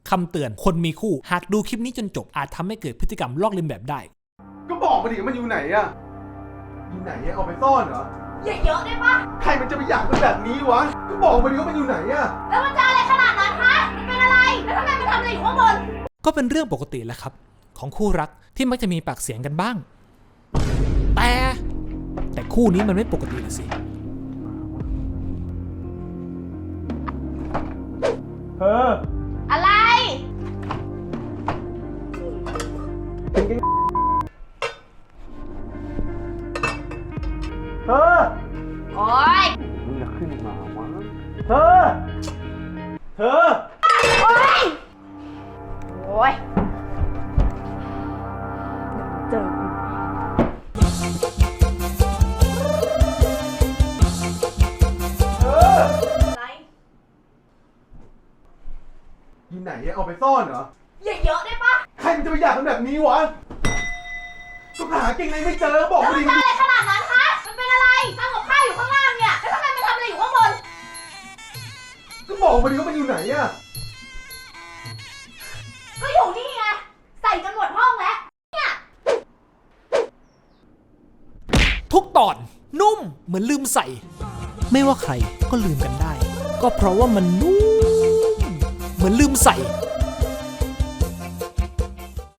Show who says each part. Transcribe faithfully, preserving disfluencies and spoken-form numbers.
Speaker 1: คำเตือนคนมีคู่หากดูคลิปนี้จนจบอาจทำให้เกิดพฤติกรรมลอกเลียนแบบได้
Speaker 2: ก็บอกมาดิมันอยู่ไหนอะอยู่ไหนอะเอาไปซ่อนเหรอ
Speaker 3: อย่าเยอะได้ปะ
Speaker 2: ใครมันจะไปอยากเป็นแบบนี้วะก็บอกมาดิว่ามันอยู่ไหนอะ
Speaker 3: แล้วมันจะอะไรขนาดนั้นคะมันเป็นอะไรแล้วทำไมมันทำอะไรอยู่ข้างบน
Speaker 1: ก็เป็นเรื่องปกติแหละครับของคู่รักที่มักจะมีปากเสียงกันบ้างแต่แต่คู่นี้มันไม่ปกตินะสิ
Speaker 2: เธอ
Speaker 3: อะไร
Speaker 2: เป็นไงเธอ
Speaker 3: โอ๊ย
Speaker 2: มึงจะขึ้นมาวะเธอเธอ
Speaker 3: โอ๊ยโอ๊ยเจอ
Speaker 2: อยู่ไหนเอาไปซ่อนเหรอ
Speaker 3: อย่าเยอะได้ปะ
Speaker 2: ใครมันจะไปอยากเป็นแบบนี้วะก็หาเก่งในไม่เจอบอก
Speaker 3: แล้วมัน
Speaker 2: ดิ
Speaker 3: จะอะไรขนาดนั้นคะมันเป็นอะไรทำกับข้าวอยู่ข้างล่างเนี่ยแล้วทำไมมันทำอะไรอยู่ข้างบน
Speaker 2: ก็บอกมาดิว่ามันอยู่ไหนอะ
Speaker 3: ก็อยู่นี่ไงใส่จนหมดห้องแล้วเนี่ย
Speaker 1: ทุกตอนนุ่มเหมือนลืมใส่ไม่ว่าใครก็ลืมกันได้ก็เพราะว่ามันนุ่มเหมือนลืมใส่